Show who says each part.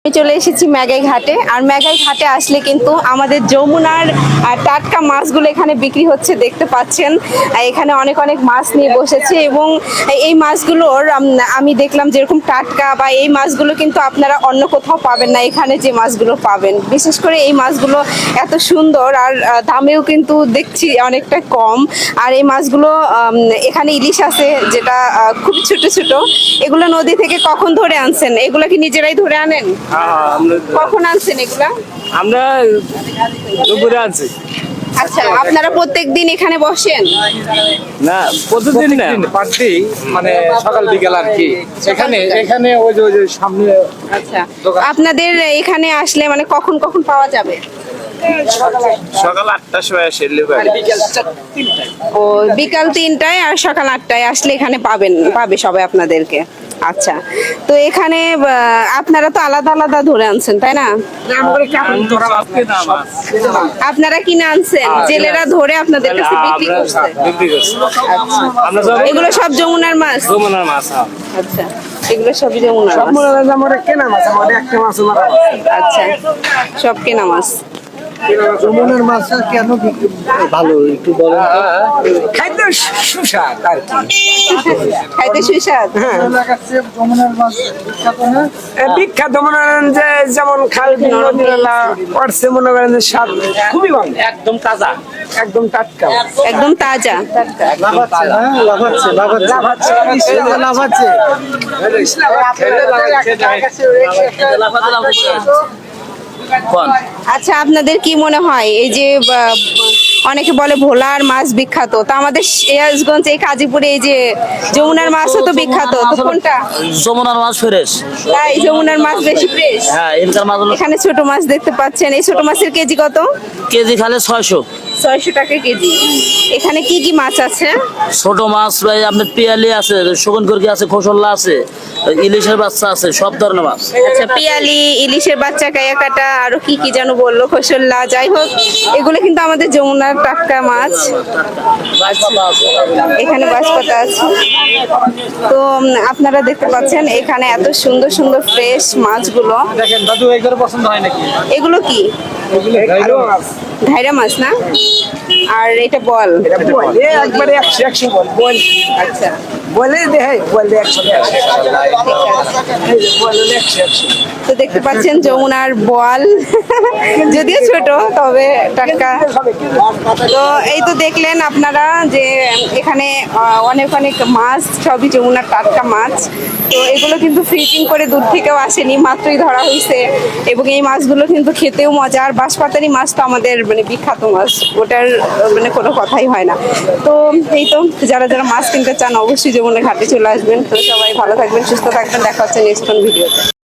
Speaker 1: চলে এসেছি মেঘাই ঘাটে। আর মেঘাই ঘাটে আসলে কিন্তু আমাদের যমুনার টাটকা মাছগুলো এখানে বিক্রি হচ্ছে, দেখতে পাচ্ছেন। এখানে অনেক অনেক মাছ নিয়ে বসেছে এবং এই মাছগুলোর আমি দেখলাম যেরকম টাটকা বা এই মাছগুলো কিন্তু আপনারা অন্য কোথাও পাবেন না, এখানে যে মাছগুলো পাবেন। বিশেষ করে এই মাছগুলো এত সুন্দর আর দামেও কিন্তু দেখছি অনেকটা কম। আর এই মাছগুলো এখানে ইলিশ আছে যেটা খুব ছোট ছোট, এগুলো নদী থেকে কখন ধরে আনছেন? এগুলো কি নিজেরাই ধরে আনেন? কখন আনছেন এগুলা?
Speaker 2: আমরা দুপুরে আনছি।
Speaker 1: আচ্ছা, আপনারা প্রত্যেকদিন এখানে বসেন?
Speaker 2: না, প্রতিদিন না, পার্টি মানে সকাল বিকাল আর কি। এখানে এখানে ওই যে সামনে।
Speaker 1: আচ্ছা, আপনাদের এখানে আসলে মানে কখন কখন পাওয়া যাবে?
Speaker 3: সকাল 8টার সময় আসে,
Speaker 1: ও বিকাল 3টায় আর সকাল 8টায় আসলে এখানে পাবে সবাই আপনাদেরকে। আচ্ছা, তো এখানে আপনারা তো আলাদা আলাদা ধরে আনছেন তাই না? আপনারা কিনে আনছেন, জেলেরা ধরে আপনাদের কাছে বিক্রি করছে? এগুলো সব যমুনার মাছ?
Speaker 2: যমুনার মাছ।
Speaker 1: আচ্ছা, এগুলো সবই যমুনার মাছ।
Speaker 2: কেনা মাছ, আমাদের একটা মাছ।
Speaker 1: আচ্ছা, সব কেনা মাছ।
Speaker 4: যমুনার মাছটা কেন ভালো একটু বলেন তো?
Speaker 2: খাইতে সুস্বাদ আর কি।
Speaker 1: খাইতে সুস্বাদ।
Speaker 4: যমুনার মাছ বিখ্যাত না?
Speaker 2: বিখ্যাত মনে করেন যে যেমন খাল নদীনালা পড়ছে, মনে করেন যে স্বাদ খুবই ভালো, একদম তাজা, একদম টাটকা,
Speaker 1: একদম তাজা।
Speaker 4: লাফাচ্ছে
Speaker 1: আচ্ছা, আপনাদের কি মনে হয় এই যে অনেকে বলে ভোলার মাছ বিখ্যাত, তো আমাদের সিরাজগঞ্জ এই কাজীপুরে এই যে যমুনার মাছও তো বিখ্যাত, তো কোনটা?
Speaker 5: যমুনার মাছ ফ্রেশ।
Speaker 1: তাই যমুনার মাছ বেশি ফ্রেশ?
Speaker 5: হ্যাঁ, এখানকার মাছ
Speaker 1: এখানে ছোট মাছ দেখতে পাচ্ছেন, এই ছোট মাছের কেজি কত?
Speaker 5: কেজি খালে 600।
Speaker 1: 600 টাকা কেজি। এখানে কি কি মাছ আছে?
Speaker 5: ছোট মাছ ভাই আপনার পিয়ালি আছে, শগুন করকি আছে, খোসল্লা আছে, ইলিশের বাচ্চা আছে, সব ধরনের মাছ।
Speaker 1: আচ্ছা, পিয়ালি, ইলিশের বাচ্চা, কায়া কাটা, আরো কি কি যেন বললো, খোসল্লা, যাই হোক এগুলো কিন্তু আমাদের যমুনার টাটকা মাছ। এখানে বাঁশপাতা আছে। তো আপনারা দেখতে পাচ্ছেন এখানে এত সুন্দর সুন্দর ফ্রেশ মাছগুলো।
Speaker 2: দেখেন দাদু, এগুলো পছন্দ হয় নাকি?
Speaker 1: এগুলো কি? ঘাইরা মাছ না? আর এটা বল?
Speaker 2: একবারে 100 বল।
Speaker 1: আচ্ছা,
Speaker 2: বলে দে, বলে 100।
Speaker 1: তো দেখতে পাচ্ছেন যমুনার বল, যদিও ছোট তবে টাটকা। তো এই তো দেখলেন আপনারা যে এখানে অনেক অনেক মাছ, সবই যমুনার টাটকা মাছ। তো এগুলো কিন্তু ফ্রিজিং করে দূর থেকেও আসেনি, মাত্রই ধরা হয়েছে। এবং এই মাছগুলো কিন্তু খেতেও মজার। বাঁশপাতারি মাছ তো আমাদের মানে বিখ্যাত মাছ, ওটার মানে কোনো কথাই হয় না। তো এই তো, যারা যারা মাছ কিনতে চান অবশ্যই যমুনা ঘাটে চলে আসবেন। তো সবাই ভালো থাকবেন, সুস্থ থাকবেন, দেখা হচ্ছে নেক্সট কোন ভিডিওতে।